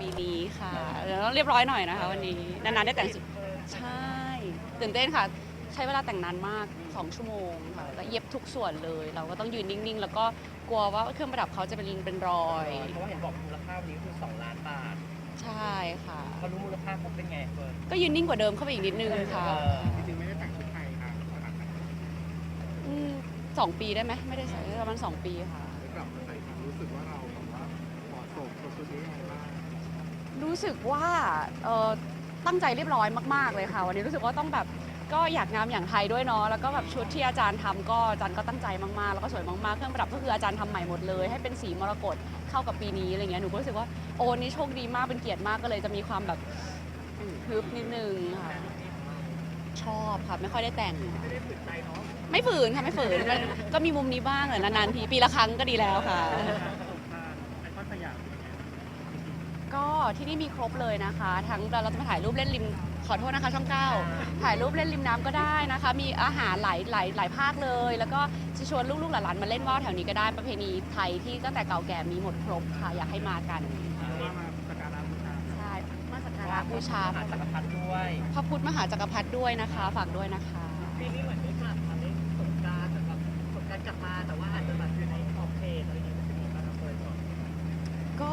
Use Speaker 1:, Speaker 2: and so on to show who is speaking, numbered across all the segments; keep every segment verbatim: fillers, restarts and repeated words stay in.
Speaker 1: ปีนี้ค่ะเดี๋ยวต้องเรียบร้อยหน่อยนะคะวันนี้นานๆได้แต่งสุดใช่ตื่นเต้นค่ะใช้เวลาแต่งนานมากสองชั่วโมงค่ะแล้วเย็บทุกส่วนเลย เราก็ต้องยืนนิ่งๆ แล้วก็กลัวว่าเครื่องประดับเขาจะเป็นเป็นรอย
Speaker 2: เพราะว่าเห็นบอกมูลค่าวันนี้คือสองล้านบาท
Speaker 1: ใช่ค่ะ
Speaker 2: เขารู้มูลค่าเขาเป็นไงเฟิร์น
Speaker 1: ก็ยืนนิ่งกว่าเดิมเข้าไปอีกนิดนึงค่ะ
Speaker 3: จริงๆไม่ได้แต่งชุดไทยค่ะขนาดนั้น
Speaker 1: อืมสองปีได้ไหมไม่ได้ใส่ประมาณสองปีค่ะ
Speaker 3: ได้กลับมาใส่ค่ะรู้สึกว่าเราแบบว่าเหมาะสมกับชุดนี้ยังไงบ้าง
Speaker 1: รู้สึกว่าเอ่อตั้งใจเรียบร้อยมากๆเลยค่ะวันนี้รู้สึกว่าต้องแบบก็อยากงามอย่างไทยด้วยเนาะแล้วก็แบบชุดที่อาจารย์ทำก็อาจารย์ก็ตั้งใจมากๆแล้วก็สวยมากๆเครื่องประดับก็คืออาจารย์ทำใหม่หมดเลยให้เป็นสีมรกตเข้ากับปีนี้อะไรเงี้ยหนูก็รู้สึกว่าโอ้นี่โชคดีมากเป็นเกียรติมากก็เลยจะมีความแบบอืมฮึบนิดนึงค่ะชอบค่ะไม่ค่อยได้แต่ง
Speaker 2: ไม่ได้ฝืนใจเนาะ
Speaker 1: ไม่ฝืนค่ะไม่ฝืนมันก็มีมุมนี้บ้างแหละนานๆทีปีละครั้งก็ดีแล้วค่ะ
Speaker 2: ไอคอนสยาม
Speaker 1: ก็ที่นี่มีครบเลยนะคะ ทั้งเราจะมาถ่ายรูปเล่นริมขอโทษนะคะช่องเก้าถ่ายรูปเล่นริมน้ำก็ได้นะคะ มีอาหารหลายหลายหลายภาคเลย แล้วก็จะชวนลูกๆหลานๆมาเล่นว่าวแถวนี้ก็ได้ประเพณีไทยที่ตั้งแต่เก่าแก่มีหมดครบค่ะอยากให้มากัน
Speaker 3: ว่ามาสักการะบูชา
Speaker 1: ใช่มาสักการะบูชา
Speaker 2: หาจักรพรรดิด้วย
Speaker 1: พระพุทธมหาจักรพรรดิด้วยนะคะ ฝากด้วยนะคะ
Speaker 2: ปีนี้เหมือนได้กลับมาเล่นสงกรานต์แต่แบบสงกรานต์กลับมาแต่ว่าอาจจะแบบอยู่ในขอบเขตอะไรอย่างเงี้ยมันจะมีบางคนก่อน
Speaker 1: ก็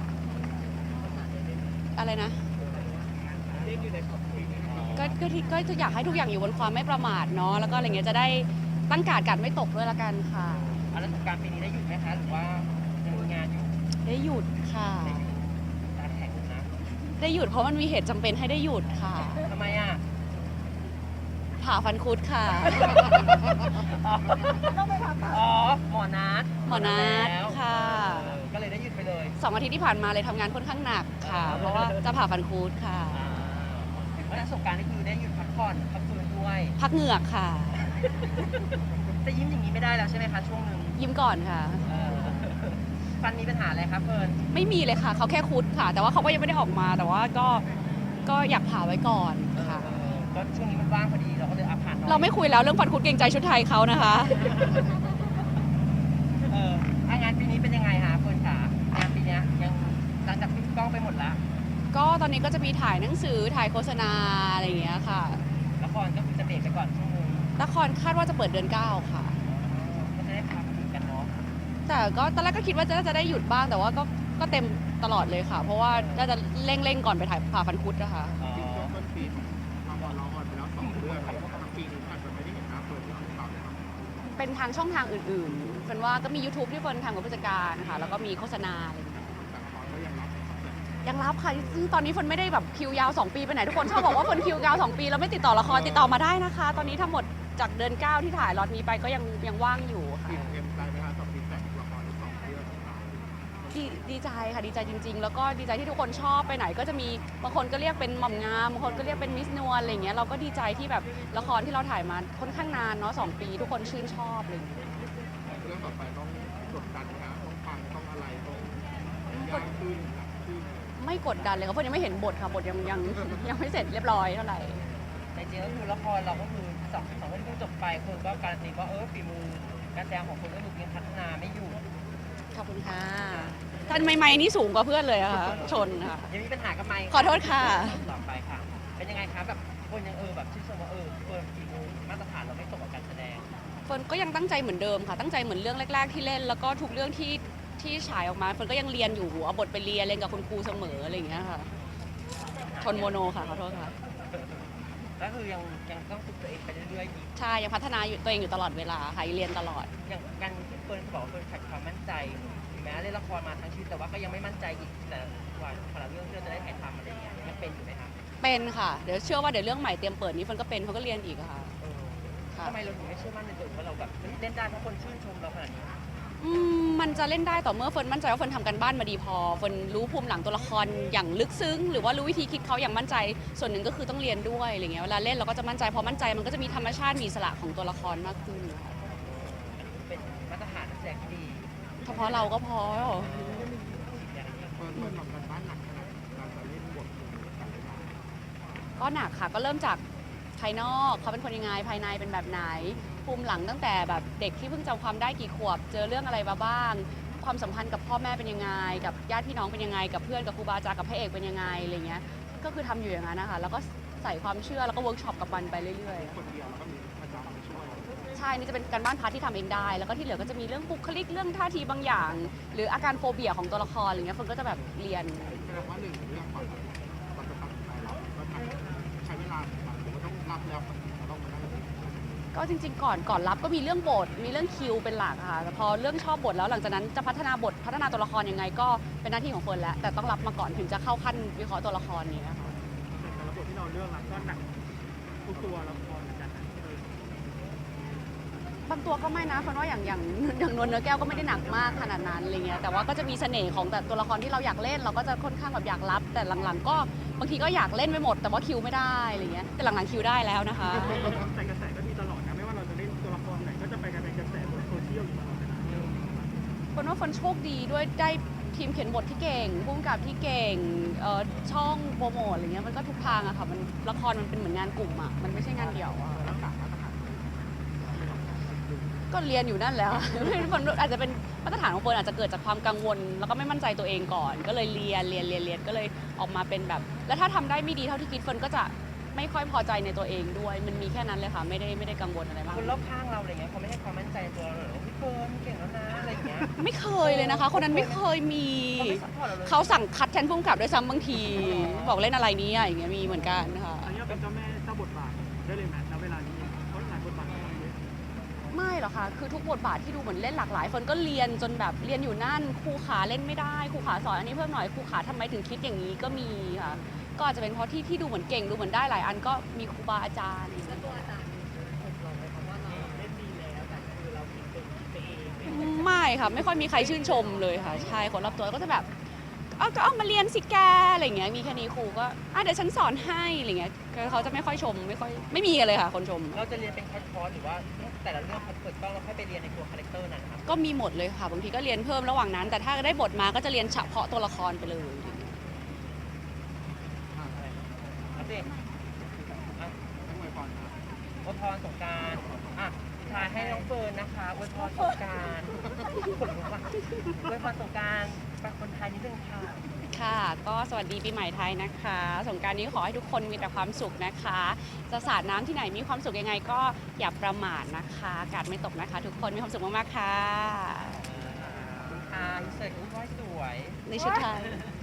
Speaker 1: อะไรนะ
Speaker 2: เล่นอยู่ในขอบเขต
Speaker 1: ก็ก็ที่ก็อยากให้ทุกอย่างอยู่บนความไม่ประมาทเนาะแล้วก็อะไรเงี้ยจะได้ตั้งการ์ดกัดไม่ตกด้วยละกันค่ะ
Speaker 2: อ่ะแล้วสงกรานต์ปีนี้ได้หยุดไหมคะหรือว่ายังมีงานอยู่
Speaker 1: ได้หยุดค่ะ
Speaker 2: การแข่งนะ
Speaker 1: ได้หยุดเพราะมันมีเหตุจำเป็นให้ได้หยุดค่ะ
Speaker 2: ทำไมอ่ะ
Speaker 1: ผ่าฟันคุดค่ะ
Speaker 2: อ๋อหมอนัด
Speaker 1: หมอนัด
Speaker 2: แล้ว
Speaker 1: ค่ะ
Speaker 2: เออก็เลยได้หยุดไปเลย
Speaker 1: สองอาทิตย์ที่ผ่านมาเลยทำงานค่อนข้างหนักค่ะ เพราะว่าจะผ่าฟันคุดค่ะ
Speaker 2: อ่าเพราะฉะนั้นสงกรานต์นี่คือได้หยุดพักผ่อนพักฟื้นด้วย
Speaker 1: พักเหงือกค่ะ
Speaker 2: จะยิ้มอย่างนี้ไม่ได้แล้วใช่ไหมคะช่วงหนึ่ง
Speaker 1: ยิ้มก่อนค่ะ
Speaker 2: เออฟันมีปัญหาอะไรครับเฟิร์น
Speaker 1: ไม่มีเลยค่ะ เขาแค่คุดค่ะ แต่ว่าเขาก็ยังไม่ได้ออกมา แต่ว่าก็ก็อยากผ่าไว้ก่อนค่ะ
Speaker 2: เออก็ช่วงนี้มันว่างพอดีเราก็เลยอาผ่านหน่อย
Speaker 1: เราไม่คุยแล้วเรื่องฟันคุดเกรงใจชุดไทยเขานะคะ
Speaker 2: เอออ่ะงานปีนี้เป็นยังไงคะเฟิร์นขางานปีเนี้ยยังหลังจากปิดกล้องไปหมดแล้ว
Speaker 1: ก็ตอนนี้ก็จะมีถ่ายหนังสือถ่ายโฆษณาอะไรอย่างเงี้ยค่ะ
Speaker 2: ละครก็คือจะเบรกไปก่อนช่วงนึง
Speaker 1: ละครคาดว่าจะเปิดเดือนเก้าค่ะ
Speaker 2: ก็จะได้พักกันเนาะ
Speaker 1: แต่ก็ตอนแรกก็คิดว่าจะน่าจะได้หยุดบ้างแต่ว่าก็ก็เต็มตลอดเลยค่ะ เพราะว่าน่าจะเร่งๆก่อนไปถ่ายผ่าฟันคุดนะคะ
Speaker 2: อ๋อ
Speaker 3: จริงๆช่วงต้นปีทางบอลเราออนไปแล้วสองเรื่องเลยทางปีนี้อาจจะไม่ได้เห็นหน้าเปิดหรือเปล่านะครับ
Speaker 1: เป็นทางช่องทางอื่นๆเป็นว่าก็มี YouTube ที่เฟิร์นทำกับผู้จัดการค่ะแล้วก็มีโฆษณาอะไรอย่างเงี้ย
Speaker 3: แต่ละครก็ยังรับ
Speaker 1: ยังรับค่ะซึ่งตอนนี้เฟิร์นไม่ได้แบบคิวยาวสองปีไปไหนทุกคนชอบบอกว่าเฟิร์นคิวยาวสองปีแล้วไม่ติดต่อละครติดต่อมาได้นะคะ ตอนนี้ทั้งหมดจากเดือนเก้าที่ถ่ายล็อตนี้ไปก็ยังยังว่างอยู่ค่ะ
Speaker 3: อิ่มเอ็มใจไหมคะกับฟีดแบ็กละครสองเรื่องของเรา
Speaker 1: ดีดีใจค่ะดีใจจริง ๆ แล้วก็ดีใจที่ทุกคนชอบไปไหนก็จะมีบางคนก็เรียกเป็นหม่อมงามบางคนก็เรียกเป็นมิสนวลอะไรอย่างเงี้ยเราก็ดีใจที่แบบละครที่เราถ่ายมาค่อนข้างนานเนาะสองปี ทุกคนชื่นชอบอะไรอย่างเงี้ย
Speaker 3: เรื่องต่อไปต้องกดดันนะต้องฟังต้องอะไรต้องยากขึ้นหนักขึ้น
Speaker 1: ไม่กดดันเลยค่ะเพราะยังไม่เห็นบทค่ะบทยังยังยังไม่เสร็จเรียบร้อยเท่าไหร่
Speaker 2: ในจริงก็คือละครเราก็คือสองสองเรื่องที่เพิ่งจบไปคนก็การันตีว่าเออฝีมือการแสดงของคนก็คือยังพัฒนาไม่อยู่
Speaker 1: ขอบคุณค่ะท่านไม่ไม่นี่สูงกว่าเพื่อนเลยอะค่ะชนค่ะ
Speaker 2: ยังมีปัญหากับไมค์
Speaker 1: ขอโทษค่ะ
Speaker 2: ต่อไปค่ะ เป็นยังไงคะแบบคนยังเออแบบชื่นชมว่าเออเฟิร์นฝีมือมาตรฐานเราไม่ตกกับการแสดง
Speaker 1: เฟิร์นก็ยังตั้งใจเหมือนเดิมค่ะตั้งใจเหมือนเรื่องแรก ๆ ที่เล่น แล้วก็ทุกเรื่องที่ที่ฉายออกมาเฟิร์นก็ยังเรียนอยู่หัวบทไปเรียนเรียนกับคุณครูเสมออะไรอย่างเงี้ยค่ะชนโมโนค่ะขอโทษค่ะ
Speaker 2: ก็คือยังยังต้องฝึกตัวเองไปเรื่อยๆอีก
Speaker 1: ใช่ยังพัฒนาอยู่ตัวเองอยู่ตลอดเวลาค่ะเรียนตลอด
Speaker 2: อย่างการที่เฟิร์นบอกว่าเฟิร์นขาดความมั่นใจถึงแม้เล่นละครมาทั้งชีวิตแต่ว่าก็ยังไม่มั่นใจอีกแต่กว่าพอเราเรื่องที่เราจะได้ถ่ายทำอะไรอย่างเงี้ยยังเป็นอยู่ไหมคะ
Speaker 1: เป็นค่ะเดี๋ยวเชื่อว่าเดี๋ยวเรื่องใหม่เตรียมเปิดนี้เฟิร์นก็เป็นเฟิร์นก็เรียนอีกอะค่ะ
Speaker 2: เออ
Speaker 1: ค่ะ
Speaker 2: ทำไมเราถึงไม่เชื่อมั่นในตัวเองว่าเราแบบเฮ้ยเล่นได้เพราะคนชื่นชมเราขนาดนี้
Speaker 1: อืมมันจะเล่นได้ต่อเมื่อเฟิร์นมั่นใจว่าเฟิร์นทำกันบ้านมาดีพอเฟิร์นรู้ภูมิหลังตัวละครอย่างลึกซึ้งหรือว่ารู้วิธีคิดเขาอย่างมั่นใจส่วนหนึ่งก็คือต้องเรียนด้วยอะไรเงี้ยเวลาเล่นเราก็จะมั่นใจพอมั่นใจมันก็จะมีธรรมชาติมีอิสระของตัวละครมากขึ้นค่ะ
Speaker 2: เป็นมาตรฐานนักแสดงที่ดี
Speaker 1: เฉพาะเราก็พอ
Speaker 2: อย่างนี้
Speaker 3: เปิดเปิดทำกันบ้านหนักขนาดเราจะเล่นบทกันเลยนะ
Speaker 1: ก็หนักค่ะก็เริ่มจากภายนอกเขาเป็นคนยังไงภายในเป็นแบบไหนภูมิหลังตั้งแต่แบบเด็กที่เพิ่งจำความได้กี่ขวบ เจอเรื่องอะไรมาบ้างความสัมพันธ์กับพ่อแม่เป็นยังไงกับญาติพี่น้องเป็นยังไงกับเพื่อนกับครูบาอาจารย์กับพระเอกเป็นยังไงอะไรเงี้ยก็คือทำอยู่อย่างนั้นนะคะแล้วก็ใส่ความเชื่อแล้วก็เวิร์กช็อปกับมันไปเรื่อยๆ
Speaker 3: คนเดียวแล้วก็มีอาจารย์มาช่วย
Speaker 1: ใช่นี่จะเป็นการบ้านพาร์ทที่ทำเองได้ แล้วก็ที่เหลือก็จะมีเรื่องบุคลิกเรื่องท่าทีบางอย่าง หรืออาการโฟเบียของตัวละครอะไรเงี้ยคนก็จะแบบเรียน
Speaker 3: แสดงว่าหนึ่งเรื่องก่อนเราจะตัดสินใจรับก็ใช้เวลาเหมือนกันหรือว่าต้องรับแล้วเราต้องมานั่ง
Speaker 1: ก็จริง ๆ ก่อนก่อนรับก็มีเรื่องบทมีเรื่องคิวเป็นหลักค่ะแต่พอเรื่องชอบบทแล้วหลังจากนั้นจะพัฒนาบทพัฒนาตัวละครยังไงก็เป็นหน้าที่ของเฟิร์นแล้วแต่ต้องรับมาก่อนถึงจะเข้าขั้นวิเคราะห์ตัวละครนี้ค่ะ
Speaker 4: แต่ละบทที่เราเลือกก็หนักทุกตัวละครเหมือนกันนะ
Speaker 1: บางตัวก็ไม่นะเพราะว่าอย่างอย่างอย่างนวลเนื้อแก้วก็ไม่ได้หนักมากขนาดนั้นอะไรเงี้ยแต่ว่าก็จะมีเสน่ห์ของแต่ตัวละครที่เราอยากเล่นเราก็จะค่อนข้างแบบอยากรับ แต่หลังๆ ก็บางทีก็อยากเล่นไปหมด แต่ว่าคิวไม่ได้อะไรเงี้ยแต่หลังๆคิวได้แล้วนะคะ
Speaker 4: แต่กระแสก็มีตลอดนะไม่ว่าเราจะเล่นตัวละครไหนก็จะไปกันเป็นกระแสบนโซเชียลอยู่ตลอดเวลา
Speaker 1: คนว่าคนโชคดีด้วยได้ทีมเขียนบทที่เก่งผู้กำกับที่เก่งเอ่อช่องโปรโมทอะไรเงี้ยมันก็ทุกทางอะค่ะมันละครมันเป็นเหมือนงานกลุ่มอะมันไม่ใช่งานเดี่ยวอะ
Speaker 3: รักษามาตรฐาน
Speaker 1: ก็เรียนอยู่นั่นแหละ คนอาจจะเป็นมาตรฐานของคนอาจจะเกิดจากความกังวล แล้วก็ไม่มั่นใจตัวเองก่อน ก็เลยเรียนเรียนเรียนเรียนก็เลยออกมาเป็นแบบ แล้วถ้าทำได้ไม่ดีเท่าที่คิดเฟิร์นก็จะไม่ค่อยพอใจในตัวเองด้วย มันมีแค่นั้นเลยค่ะไม่ได้ไม่ได้กังวลอะไรมาก
Speaker 2: คนรอบข้างเราอะไรเงี้ยเขาไม่ให้ความมั่นใจในตัวเราเลยพี่เฟิร์นเก่งแล้วนะอะไรเงี้ย
Speaker 1: ไม่เคยเลยนะคะ คนนั้นไม่เคยมี
Speaker 2: เขาไม่ซัพพอร์ตเราเลย
Speaker 1: เขาสั่งคัดแทนผู้กำกับด้วยซ้ำบางที บอกเล่นอะไรเนี้อย่างเงี้ยมีเหมือนกันค่ะ
Speaker 4: อันนี้เป็นเจ้าแม่เจ้าบทบาทได้เลยไหมณเวลานี้เพราะหลายบทบาทของเราเยอะ
Speaker 1: ไม่หรอกค่ะ คือทุกบทบาทที่ดูเหมือนเล่นหลากหลายเฟิร์นก็เรียนจนแบบเรียนอยู่นั่นครูขาเล่นไม่ได้ครูขาสอนอันนี้เพิ่มหน่อยครูขาทำไมถึงคิดอย่างนี้ก็มีค่ะ ก็อาจจะเป็นเพราะที่ที่ดูเหมือนเก่งดูเหมือนได้หลายอันก็มีครูบาอาจารย์ ไม่ค่ะไม่ค่อยมีใครชื่นชมเลยค่ะใช่คนรอบตัวก็จะแบบเอาก็เอามาเรียนสิแกอะไรอย่างเงี้ยมีแค่นี้ครูก็อ่ะเดี๋ยวฉันสอนให้อะไรเงี้ยก็เขาจะไม่ค่อยชมไม่ค่อยไม่มีกันเลยค่ะ คนชม
Speaker 2: เราจะเรียนเป็นคอร์สหรือว่าแต่ละเรื่องเปิดกล้องเราค่อยไปเรียนในตัวคาแรคเตอร์นั้นครับ
Speaker 1: ก็มีหมดเลยค่ะบางทีก็เรียนเพิ่มระหว่างนั้น แต่ถ้าได้บทมาก็จะเรียนเฉพาะตัวละครไปเลย
Speaker 2: อัปเดตอ่ะ
Speaker 3: ต้องไปก่อนนะ
Speaker 2: อวยพรสงกรารอ่ะสุดท้ายให้น้องเฟิร์นนะคะอวยพรสงกรารขนลุกว่ะอวยพรสงกรารฝากคนไทยนิดนึงค่ะ
Speaker 1: ค่ะก็สวัสดีปีใหม่ไทยนะคะสงกรานต์นี้ขอให้ทุกคนมีแต่ความสุขนะคะ จะสาดน้ำที่ไหนมีความสุขยังไงก็อย่าประมาทนะคะอากาศไม่ตกนะคะ ทุกคนมีความสุขมากๆค่ะ
Speaker 2: อ่าอินเสิร์ตอุ้ยสวย
Speaker 1: ในชุดไทย